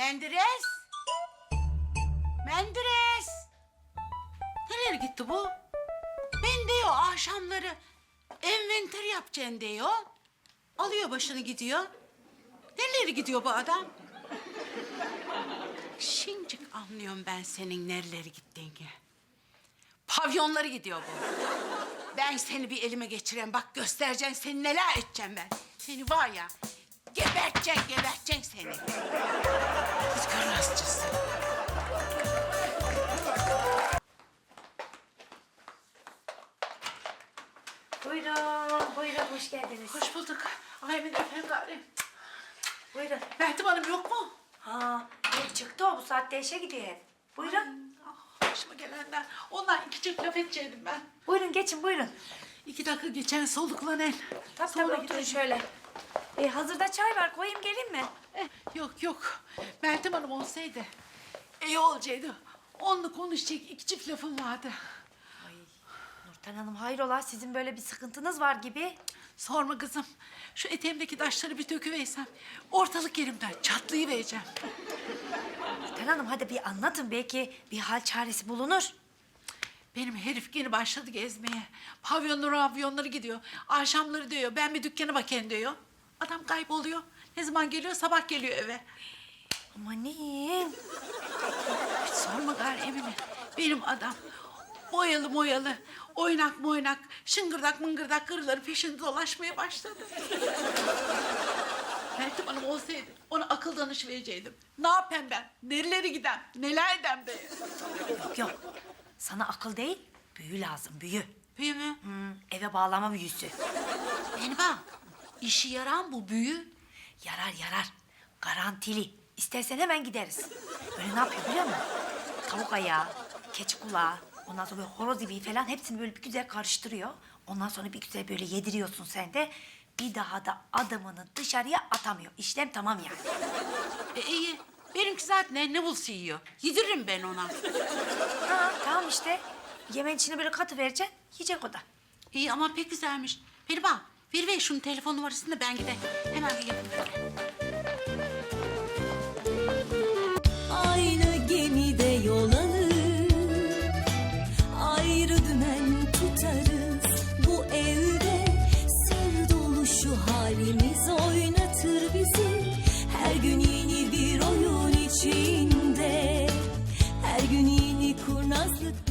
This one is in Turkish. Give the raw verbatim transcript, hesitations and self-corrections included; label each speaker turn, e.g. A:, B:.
A: Menderes! Menderes! Nereye gitti bu? Ben diyor akşamları enventer yapacaksın diyor. Alıyor başını gidiyor. Nereye gidiyor bu adam? Şincik anlıyorum ben senin nerelere gittiğini. Pavyonları gidiyor bu. Ben seni bir elime geçireyim. Bak göstereceğim seni neler edeceğim ben. Seni var ya geberteceğim, geberteceğim seni. Kız karnasçısı.
B: Buyurun, buyurun. Hoş geldiniz.
A: Hoş bulduk. Ay Emin efendim gari.
B: Buyurun.
A: Meltem Hanım yok mu?
B: Ha, yok çıktı o. Bu saatte işe gidiyor hep. Buyurun.
A: Ah, başıma gelenler. Ondan iki çift laf edecektim ben.
B: Buyurun, geçin buyurun.
A: İki dakika geçen soluklan el.
B: Tabii
A: Sonra
B: tabii, oturun
A: oturun.
B: şöyle. E, hazırda çay var. Koyayım geleyim mi?
A: Eh, yok yok. Meltem Hanım olsaydı iyi olacaktı. Onunla konuşacak iki çift lafım vardı.
B: Ay, Nurten Hanım hayrola? Sizin böyle bir sıkıntınız var gibi.
A: Sorma kızım. Şu eteğimdeki taşları bir döküversem ortalık yerimden çatlayıvereceğim.
B: Nurten Hanım hadi bir anlatın. Belki bir hal çaresi bulunur.
A: Benim herif yeni başladı gezmeye. Pavyonları, avyonları gidiyor. Akşamları diyor, ben bir dükkana bakayım diyor. Adam kayboluyor. Ne zaman geliyor? Sabah geliyor eve.
B: Amanin.
A: Hiç sorma gari Emine. Benim adam boyalı moyalı, oynak moynak, şıngırdak mıngırdak karıları peşinde dolaşmaya başladı. Meltem Hanım olsaydı ona akıl danış verecektim. Ne yapayım ben? Nerelere gidem? Neler edem diye.
B: Yok yok. Sana akıl değil, büyü lazım, büyü.
A: Büyü mü?
B: Hmm, eve bağlama büyüsü.
A: Beni bak. İşi yaran bu büyü.
B: Yarar yarar. Garantili. İstersen hemen gideriz. Böyle ne yapıyor biliyor musun? Tavuk ayağı, keçi kulağı, ondan sonra böyle horoz ibiği falan hepsini böyle bir güzel karıştırıyor. Ondan sonra bir güzel böyle yediriyorsun sen de. Bir daha da adamını dışarıya atamıyor. İşlem tamam yani.
A: E iyi. Benimki zaten ne, ne bulsa yiyor. Yediririm ben ona.
B: Ha tamam işte. Yemeğin içine böyle katı vereceksin, yiyecek o da.
A: İyi ama pek güzelmiş. Beni bak. Ver ver şunun telefon numarasını da ben gideyim. Hemen bir yapayım.
C: Aynı gemide yol alır, ayrı dümen tutarız. Bu evde sır dolu şu halimiz oynatır bizi. Her gün yeni bir oyun içinde, her gün yeni kurnazlık.